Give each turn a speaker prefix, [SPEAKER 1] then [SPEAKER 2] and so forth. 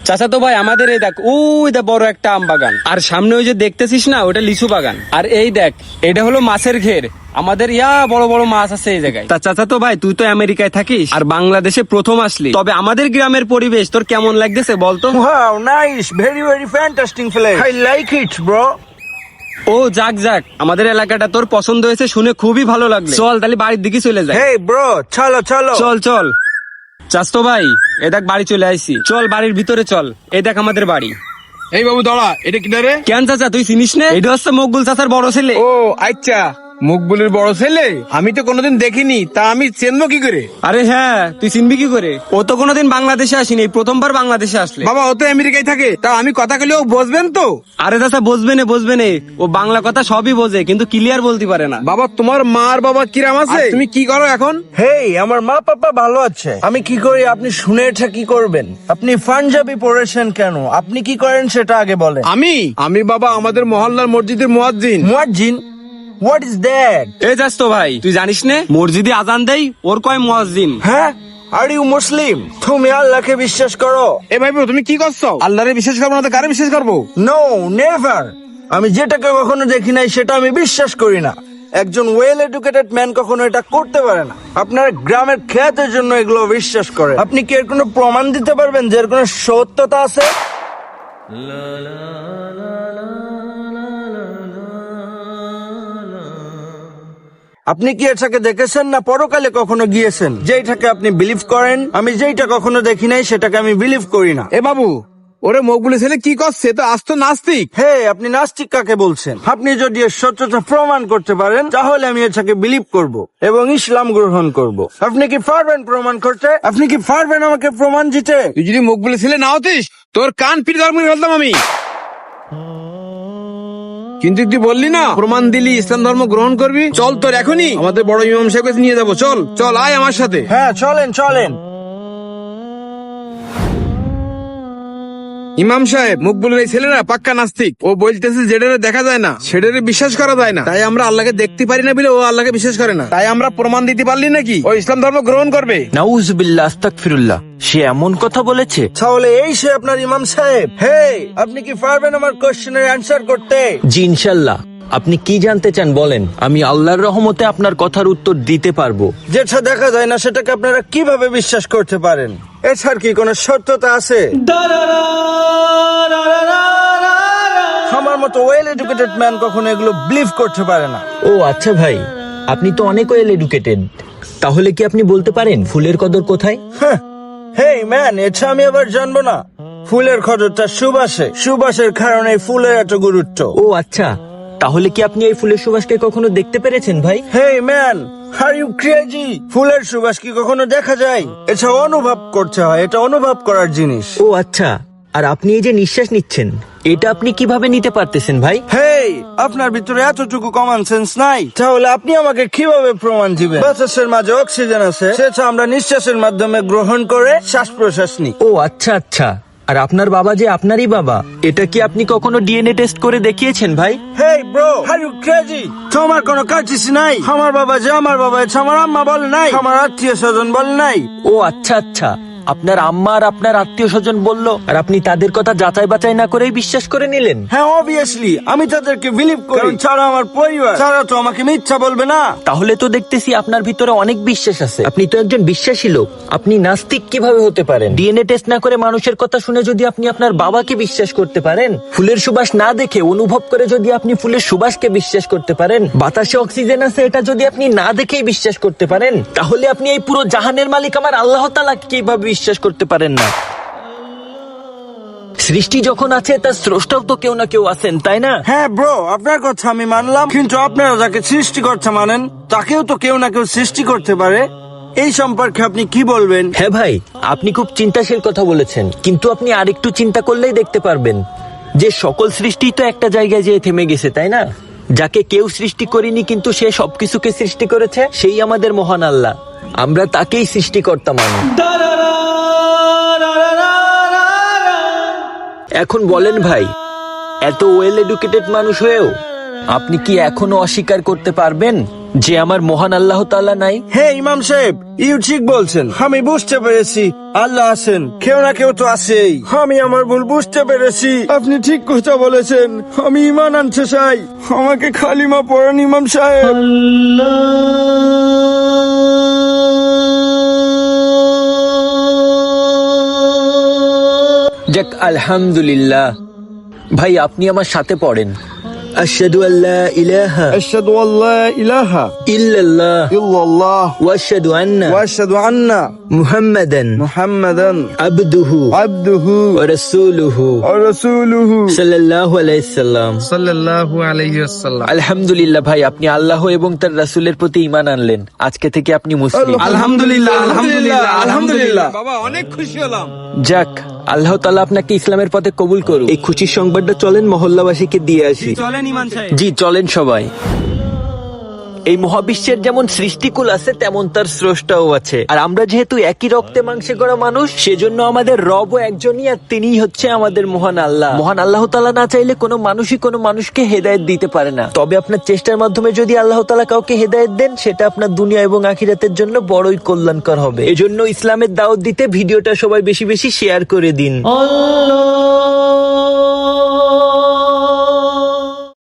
[SPEAKER 1] চাচা তো ভাই আমাদের এই দেখ ওই দেখ বড় একটা আম বাগান, আর সামনে ওই যে দেখতেছিস না ওটা লিচু বাগান, আর এই দেখ এটা হলো মাছের ঘের। আমাদের বড় বড় মাছ আছে এই জায়গায়। তা চাচা তো ভাই তুই তো আমেরিকায় থাকিস আর বাংলাদেশে প্রথম আসলি, তবে আমাদের গ্রামের পরিবেশ তোর কেমন লাগতেছে বলতো?
[SPEAKER 2] Wow, nice, very fantastic place. I like it, bro.
[SPEAKER 1] ও যাক যাক, আমাদের এলাকাটা তোর পছন্দ হয়েছে শুনে খুবই ভালো লাগলো। চল তাহলে বাড়ির দিকে চলে যাই।
[SPEAKER 2] Hey, bro, চলো।
[SPEAKER 1] চল চল চাচতো ভাই এ দেখ বাড়ি চলে আইছি, চল বাড়ির ভিতরে চল। এই দেখ আমাদের বাড়ি।
[SPEAKER 3] এই বাবু দাঁড়া, এটা কি রে?
[SPEAKER 1] কেন চাচা তুই চিনিস না? এটা হচ্ছে মকবুল চাচার বড় ছেলে।
[SPEAKER 3] ও আচ্ছা, মকবুলের বড় ছেলে। আমি তো কোনোদিন দেখিনি, তা আমি চেনবো কি করে?
[SPEAKER 1] আরে হ্যাঁ, তুই চিনবি কি করে? ও তো কোনোদিন বাংলাদেশে আসেনি, প্রথমবার বাংলাদেশে আসলে।
[SPEAKER 3] বাবা ও তো আমেরিকায় থাকে, তা আমি কথা কইলে ও বুঝবেন তো?
[SPEAKER 1] আরে চাচা বুঝবে না, ও বাংলা কথা সবই বোঝে কিন্তু ক্লিয়ার বলতে পারে না।
[SPEAKER 3] বাবা তোমার মার বাবা কিরাম আছে? তুমি কি করো এখন?
[SPEAKER 2] Hey, আমার মা পাপা ভালো আছে। আমি কি করি আপনি শুনে এটা কি করবেন? আপনি পাঞ্জাবি পড়েছেন কেন? আপনি কি করেন সেটা আগে বলেন।
[SPEAKER 3] আমি বাবা আমাদের মহল্লার মসজিদের মুয়াজ্জিন।
[SPEAKER 2] মুয়াজ্জিন? What is that?
[SPEAKER 1] এই চাচতো ভাই তুই জানিস না মসজিদে আজান দেই ওর কয় মুয়াজ্জিন।
[SPEAKER 2] হ্যাঁ, আর ইউ মুসলিম? তুমি আল্লাহকে বিশ্বাস করো?
[SPEAKER 3] এ ভাই তুমি কি করছো? আল্লাহরে বিশ্বাস করবো না তো কারে বিশ্বাস করবো?
[SPEAKER 2] No, never. আমি যেটাকে কখনো দেখি নাই সেটা আমি বিশ্বাস করি না। একজন ওয়েল এডুকেটেড ম্যান কখনো এটা করতে পারে না। আপনার গ্রামের খ্যাতের জন্য এগুলো বিশ্বাস করে। আপনি কি এর কোনো প্রমাণ দিতে পারবেন যে এর কোনো সত্যতা আছে? আপনি কি এটাকে দেখেছেন না পরকালে কখনো গিয়েছেন? যেটাকে আপনি বিলিভ করেন, আমি যেটা কখনো দেখি নাই সেটাকে আমি বিলিভ করি না।
[SPEAKER 3] এ বাবু ওরে মকবুলের ছেলে কি করছে? তো আজ তো নাস্তিক।
[SPEAKER 2] হে, আপনি নাস্তিক কাকে বলছেন? আপনি যদি এর সত্যতা প্রমাণ করতে পারেন তাহলে আমি এটাকে বিলিভ করব এবং ইসলাম গ্রহণ করব। আপনি কি পারবেন প্রমাণ করতে? আপনি কি পারবেন আমাকে প্রমাণ দিতে?
[SPEAKER 3] তুই যদি মকবুলের ছেলে না হতিস তোর কান পিট ধর্ম ফেলতাম আমি। কিন্তু তুই বললি না প্রমাণ দিলি ইসলাম ধর্ম গ্রহণ করবি। চল তোর এখনই আমাদের বড় ইমাম সাহেব নিয়ে যাবো। চল চল আয় আমার সাথে।
[SPEAKER 2] হ্যাঁ চলেন।
[SPEAKER 3] ইমাম সাহেব মকবুলের এই ছেলেরা পাক্কা নাস্তিক। ও বলতেছে যেটারে দেখা যায় না সেটারে বিশ্বাস করা যায় না, তাই আমরা আল্লাহকে দেখতে পারি না বলে ও আল্লাহকে বিশ্বাস করে না। তাই আমরা প্রমাণ দিতে পারলি নাকি ও ইসলাম ধর্ম গ্রহণ করবে?
[SPEAKER 4] নাউজুবিল্লাহ, আস্তাগফিরুল্লাহ। সে এমন কথা বলেছে?
[SPEAKER 2] তাহলে এই সে আপনার ইমাম সাহেব? হে, আপনি কি পারবেন আমার কোশ্চেনের অ্যান্সার করতে?
[SPEAKER 4] জি ইনশাল্লাহ। আপনি কি জানতে চান বলেন, আমি আল্লাহর রহমতে আপনার কথার উত্তর দিতে পারবো।
[SPEAKER 2] যেটা দেখা যায় না সেটাকে আপনারা কিভাবে বিশ্বাস করতে পারেন? এছাড়া কি কোনো সত্যতা আছে? আমার মতো ওয়েল এডুকেটেড ম্যান কখনো এগুলো বিলিভ করতে পারে না।
[SPEAKER 4] ও আচ্ছা ভাই, আপনি তো অনেক ওয়েল এডুকেটেড, তাহলে কি আপনি বলতে পারেন ফুলের কদর কোথায়?
[SPEAKER 2] হেই ম্যান, এটা আমি আবার জানবো না? ফুলের কদরটা সুবাসের কারণে ফুলের এত গুরুত্ব।
[SPEAKER 4] ও আচ্ছা, তাহলে কি আপনি এই ফুলের সুবাসকে কখনো দেখতে পেরেছেন ভাই?
[SPEAKER 2] Hey man, are you crazy? ফুলের সুবাস কি কখনো দেখা যায়? এটা অনুভব করতে হয়, এটা অনুভব করার জিনিস।
[SPEAKER 4] ও আচ্ছা, আর আপনি এই যে নিঃশ্বাস নিচ্ছেন এটা আপনি কিভাবে নিতে পারতেছেন ভাই?
[SPEAKER 2] হেই, আপনার ভিতরে এতটুকু কমন সেন্স নাই? তাহলে আপনি আমাকে কিভাবে প্রমাণ দিবেন বাতাসের মাঝে অক্সিজেন আছে, সেটা আমরা নিঃশ্বাসের মাধ্যমে গ্রহণ করে শ্বাস প্রশ্বাস নিই?
[SPEAKER 4] ও আচ্ছা আচ্ছা, আর আপনার বাবা যে আপনারই বাবা, এটা কি আপনি কখনো ডিএনএ টেস্ট করে দেখিয়েছেন ভাই?
[SPEAKER 2] Hey bro, are you crazy? তোমার কোনো কার্টিসি নাই? আমার বাবা যে আমার বাবা, এটা আমার আম্মা বলে নাই, আমার আত্মীয় স্বজন বলে নাই।
[SPEAKER 4] ও আচ্ছা আচ্ছা, আপনার আম্মা আর আপনার আত্মীয় স্বজন বললো আর আপনি তাদের কথা যাচাই বাছাই না করেই বিশ্বাস করে নিলেন?
[SPEAKER 2] হ্যাঁ অবভিয়াসলি, আমি তাদেরকে বিলিভ করি, কারণ ছাড়া আমার পরিবার ছাড়া তো আমাকে মিথ্যা বলবে না।
[SPEAKER 4] তাহলে তো দেখতেছি আপনার ভিতরে অনেক বিশ্বাস আছে। আপনি তো একজন বিশ্বাসী লোক, আপনি নাস্তিক কিভাবে হতে পারেন? ডিএনএ টেস্ট না করে মানুষের কথা শুনে যদি আপনি আপনার বাবাকে বিশ্বাস করতে পারেন, ফুলের সুবাস না দেখে অনুভব করে যদি আপনি ফুলের সুবাসকে বিশ্বাস করতে পারেন, বাতাসে অক্সিজেন আছে এটা যদি আপনি না দেখেই বিশ্বাস করতে পারেন, তাহলে আপনি এই পুরো জাহানের মালিক আমার আল্লাহ তাআলা কিভাবে বিশ্বাস করতে পারেন না? সৃষ্টি যখন আছে তার স্রষ্টাও তো কেউ না কেউ আছেন, তাই না?
[SPEAKER 2] হ্যাঁ ব্রো, আপনার কথা আমি মানলাম, কিন্তু আপনারা যাকে সৃষ্টি করতে মানেন তাকেও তো কেউ না কেউ সৃষ্টি করতে পারে। এই সম্পর্কে আপনি কি বলবেন?
[SPEAKER 4] হ্যাঁ ভাই, আপনি খুব চিন্তাশীল কথা বলেছেন, কিন্তু আপনি আরেকটু চিন্তা করলেই দেখতে পারবেন যে সকল সৃষ্টি তো একটা জায়গায় যেয়ে থেমে গেছে, তাই না? যাকে কেউ সৃষ্টি করেনি কিন্তু সে সবকিছুকে সৃষ্টি করেছে, সেই আমাদের মহান আল্লাহ। আমরা তাকেই সৃষ্টিকর্তা মানি। এখন বলেন ভাই, এত ওয়েল এডুকেটেড মানুষ হয়েও আপনি কি এখনো অস্বীকার করতে পারবেন যে আমার মহান আল্লাহ তাআলা নাই?
[SPEAKER 2] হ্যাঁ ইমাম সাহেব, ইউ ঠিক বলছেন। আমি বুঝতে পেরেছি আল্লাহ আছেন, কেউ না কেউ তো আছেই। আমি আমার ভুল বুঝতে পেরেছি। আপনি ঠিক কথা বলেছেন। আমি ইমান আনতে চাই, আমাকে খালিমা পড়ান ইমাম সাহেব।
[SPEAKER 4] যাক, আলহামদুলিল্লাহ। ভাই আপনি আমার সাথে পড়েন। আশহাদু আল্লা ইলাহা
[SPEAKER 2] আশহাদু আল্লা ইলাহা
[SPEAKER 4] ইল্লাল্লাহ
[SPEAKER 2] ইল্লাল্লাহ
[SPEAKER 4] ওয়া আশহাদু আন্না
[SPEAKER 2] ওয়া আশহাদু আন্না
[SPEAKER 4] মুহাম্মাদান
[SPEAKER 2] মুহাম্মাদান
[SPEAKER 4] আবদুহু
[SPEAKER 2] আবদুহু
[SPEAKER 4] ওয়া রাসূলুহু
[SPEAKER 2] ওয়া রাসূলুহু
[SPEAKER 4] সাল্লাল্লাহু আলাইহি সাল্লাম।
[SPEAKER 3] সাল্লাল্লাহু আলাইহি ওয়াসাল্লাম।
[SPEAKER 4] আলহামদুলিল্লাহ ভাই, আপনি আল্লাহ এবং তার রাসূলের প্রতি ঈমান আনলেন। আজকে থেকে আপনি মুসলিম।
[SPEAKER 1] আলহামদুলিল্লাহ, আলহামদুলিল্লাহ, আলহামদুলিল্লাহ।
[SPEAKER 3] বাবা অনেক খুশি হলাম।
[SPEAKER 4] যাক, আল্লাহ তাআলা আপনাকে ইসলামের পথে কবুল করুন। এই খুশির সংবাদটা চলেন মহল্লাবাসীকে দিয়ে আসি।
[SPEAKER 1] চলেন ইমান সাহেব।
[SPEAKER 4] জি চলেন সবাই। এই মহাবিশ্বের যেমন সৃষ্টিকুল আছে তেমন তার স্রষ্টাও আছে। আর আমরা যেহেতু একই রক্তে মাংসে গড়া মানুষ, সেজন্য আমাদের রবও একজনই, আর তিনিই হচ্ছে আমাদের মহান আল্লাহ। মহান আল্লাহ তাআলা না চাইলে কোনো মানুষই কোনো মানুষকে হেদায়েত দিতে পারে না। তবে আপনার চেষ্টার মাধ্যমে যদি আল্লাহ তাআলা কাউকে হেদায়েত দেন, সেটা আপনার দুনিয়া এবং আখিরাতের জন্য বড়ই কল্যাণকর হবে। এজন্য ইসলামের দাওয়াত দিতে ভিডিওটা সবাই বেশি বেশি শেয়ার করে দিন।